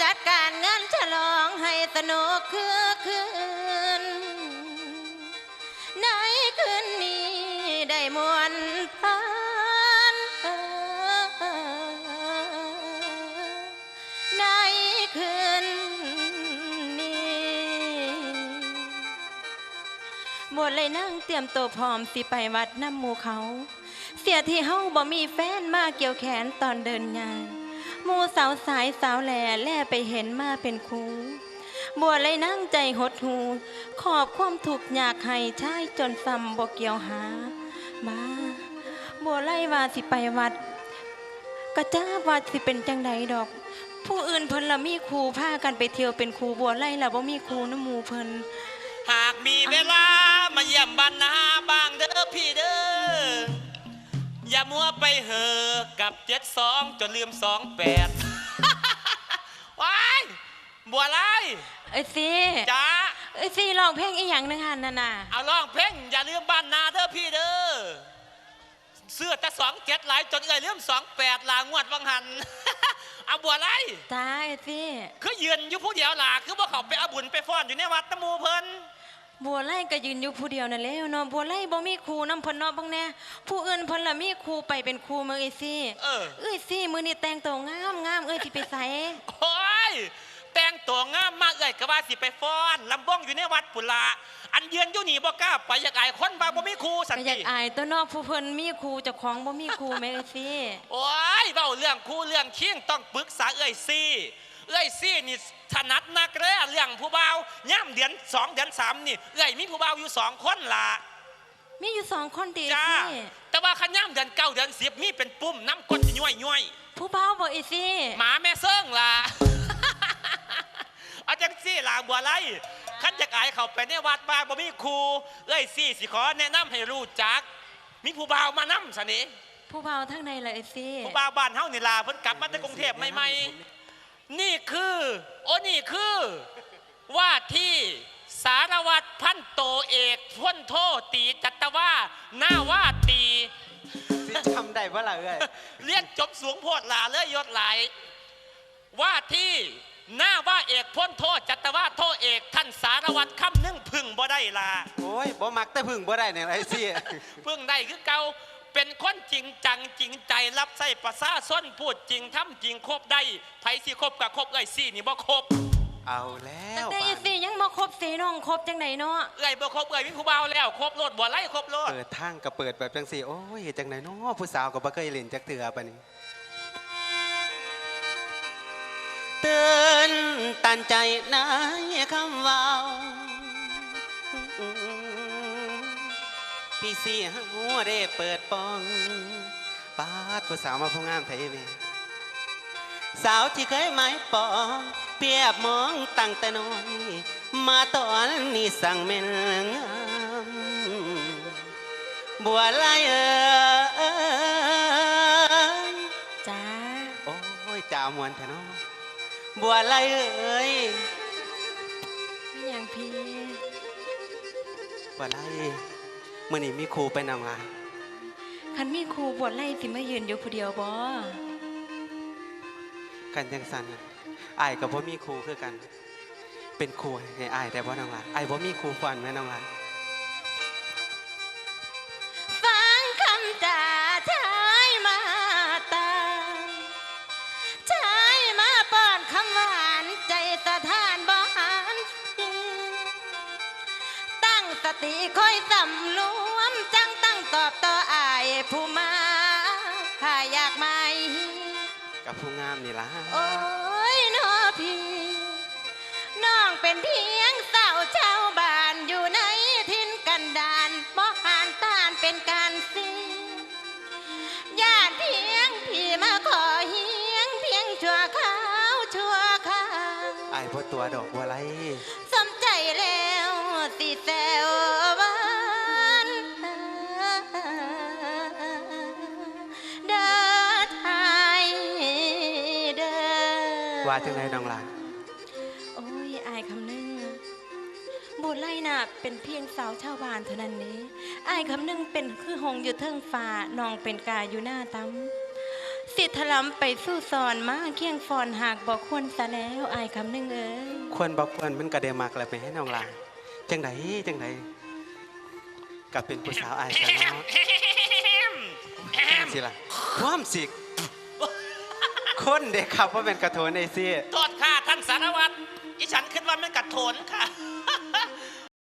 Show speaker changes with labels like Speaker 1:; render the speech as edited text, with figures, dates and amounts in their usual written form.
Speaker 1: จัดการงานฉลองให้สนุกคือคืนในคืนนี้ได้มวนพานในคืนบวชเลยนั่งเตรียมตัวพร้อมสิไปวัดน้ำหมู่เขาเสียที่เฮาบ่มีแฟนมาเกี่ยวแขนตอนเดินงานหมู่สาวสายสาวแแล่ไปเห็นมาเป็นครูบวชเลยนั่งใจหดหูขอบความถูกอยากให้ชายจนซ้ำบ่เกี่ยวหามาบวชไล่ว่าสิไปวัดกระจ้าว่าสิเป็นจังใดดอกผู้อื่นเพิ่นละมีครูพากันไปเที่ยวเป็นครูบวชไล่ละบ่มีครูน้ำหมู่เพิ่น
Speaker 2: หากมีเวลามาเยี่ยมบ้านนาบ้างเด้อพี่เด้ออย่ามัวไปเหอะกับ72จนลืม28ว้ายบัวไร
Speaker 1: ไอ้ซี
Speaker 2: จ้า
Speaker 1: ไอ้ซีร้องเพลงอีหยังนึงหันน่ะ
Speaker 2: เอาร้องเพลงอย่าลืมบ้านนาเด้อพี่เด้อเสื้อแต่27หลายจนลืม28ลางวดวังหันเอาบัวไร
Speaker 1: จ้าไอ้ซี
Speaker 2: คือยืนอยู่ผู้เดียวล่ะคือว่าเขาไปเอาบุญไปฟ้อนอยู่ในวัดตะมูเพิ่น
Speaker 1: บัวไล่ก็ยืนอยู่ผู้เดียวนั่นแหละเนาะบัวไล่บ่มีครูนำเพิ่นเนาะบังแน่ผู้อื่นเพิ่นละมีครูไปเป็นครูมื้อไอ้ซี่เอ้ยซี่มื้อนี้แต่งตัวงามเอ้ยสิไปไส
Speaker 2: โอ้ยแต่งตัวงามมากเอ้ยก็ว่าสิไปฟ้อนลำบ้องอยู่ในวัดปุระอันยืนอยู่นี่บ่กล้าไปอยากอายคนบ่มีครูสักที
Speaker 1: อยากอายตัวเนาะผู้เพิ่นมีครูเจ้าของบ่มีครูแม่ไอ้ซี่
Speaker 2: โอ้ยเว้าเรื่องครูเรื่องเคียงต้องปรึกษาเอ้ยซี่นี่ถนัดนักเลยเรื่องผู้บ่าวย่ำเดือน2เดือน3นี่เอ้ยมีผู้บ่าวอยู่2คนล่ะ
Speaker 1: มีอยู่2คนติ
Speaker 2: จ้าแต่ว่าคันย่ำเดือน9เดือน10มีเป็นปุ่มน้ำก้นย่อย
Speaker 1: ผู้บ่าวบ่ไอ้ซี่
Speaker 2: หมาแม่เซิงล่ะเอาจังซี่ล่ะบัวไล่คันจะอายเข้าไปในวัดบ้าบ่มีครูเอ้ยซี่สิขอแนะนำให้รู้จักมีผู้บ่าวมานำซะนี่
Speaker 1: ผู้บ่าวทางในล่ะไอ้ซี่
Speaker 2: ผู้บ่าวบ้านเฮานี่ล่ะเพิ่นกลับมาจากกรุงเทพใหม่ๆนี่คือว่าที่สารวัตรพันโตเอกพ้นโทตีจัตวาหน้าว่าตี
Speaker 3: จำได้ว่าล่ะเอ้ย
Speaker 2: เรียนจบสูงโพดหลาเลยยศหลายว่าที่หน้าว่าเอกพ้นโทจัตวาโทเอกท่านสารวัตรคำนึ่งพึ่งบ่ได้ล่ะ
Speaker 3: โอ้ยบ่มักแต่พึ่งบ่ได้เนี่ยไอ้ซี่
Speaker 2: พึ่งได้คือเก่าเป็นคนจริงจังจริงใจรับใส่ประสาส้นพูดจริงทำจริงครบได้ไผสิครบกับครบเอ้ยซี่นี่บ่ครบ
Speaker 3: เอาแล้ว
Speaker 1: แต่ไอ้ซี่ยังบ่ครบสีน้องครบจังไหนเนาะ
Speaker 2: เอ้ยบ่ครบเอ้ยมีผู้บ่าวแล้วครบโลดบ่ไล่ครบโลด
Speaker 3: เปิดทางก็เปิดแบบจังซี่โอ้ยจังไหนเนาะผู้สาวก็บ่เคยเล่นจักเทื่อปานนี้เตือนตันใจนายคำเว้าพี่สี่หัวได้เปิดปองปาดผู้สาวมาผู้งามไทยเมสาวที่เคยหมายปองเปียบมองตั้งแต่น้อยมาตอนนี้สั่งเม่นงามบัวลาย
Speaker 1: จ้า
Speaker 3: โอ้ยจ่ามวนแท้เนาะบัวลาย
Speaker 1: มีอย่างพี่
Speaker 3: บัวลายมื่อนี้มีครูไปนำมา
Speaker 1: คันมีครูบวชไล่สิมายืนอยู่ผู้เดียวบ่
Speaker 3: กันจังสันอายกับพ่มีครูคือกันเป็นครูให้อายแต่บ่นำมาอายบ่มีครูฟันแม่นำมา
Speaker 1: ฟังคำจ่าชายมาตาชายมาป้อนคำหวานใจสะท้านบ่หันตั้งสติคอยสำรวมจังตั้งตอบต่ออายผู้มาถ้าอยากมา
Speaker 3: กับผู้งามนี่ล่ะ
Speaker 1: โอ้ยน้อพี่น้องเป็นเพียงสาวชาวบ้านอยู่ในทินกันดานบ่หานต้านเป็นการสิญาติเพียงพี่มาขอเฮียงเพียงชั่วคราว
Speaker 3: อายบ่ตัวดอกบัวไหล
Speaker 1: สมใจแล้วสิแซวบ้านเดินไทยเดิน
Speaker 3: ว่าจังไรน้องล่ะ
Speaker 1: โอ้ยอายคำนึงบุญไล่น่ะเป็นเพียงสาวชาวบ้านเท่านั้นนี้อายคำนึงเป็นคือหงอยู่เทิงฟ้าน้องเป็นกาอยู่หน้าตั้มสิถลำไปสู้สอนมาเคียงฟอนหากบอกควรซะแล้วอายคำหนึ่งเอ้ย
Speaker 3: ควรบอกควรมันก็ได้มักแล้วไปให้น้องลาจังไดกับเป็นผู้สาวอายกันเนาะสิล่ะความสิคนเด็กครับว่าเป็นกระโถนไอซี่
Speaker 2: โทษค่ะท่านสารวัตรอีฉันคิดว่ามันกัดโถนค่ะ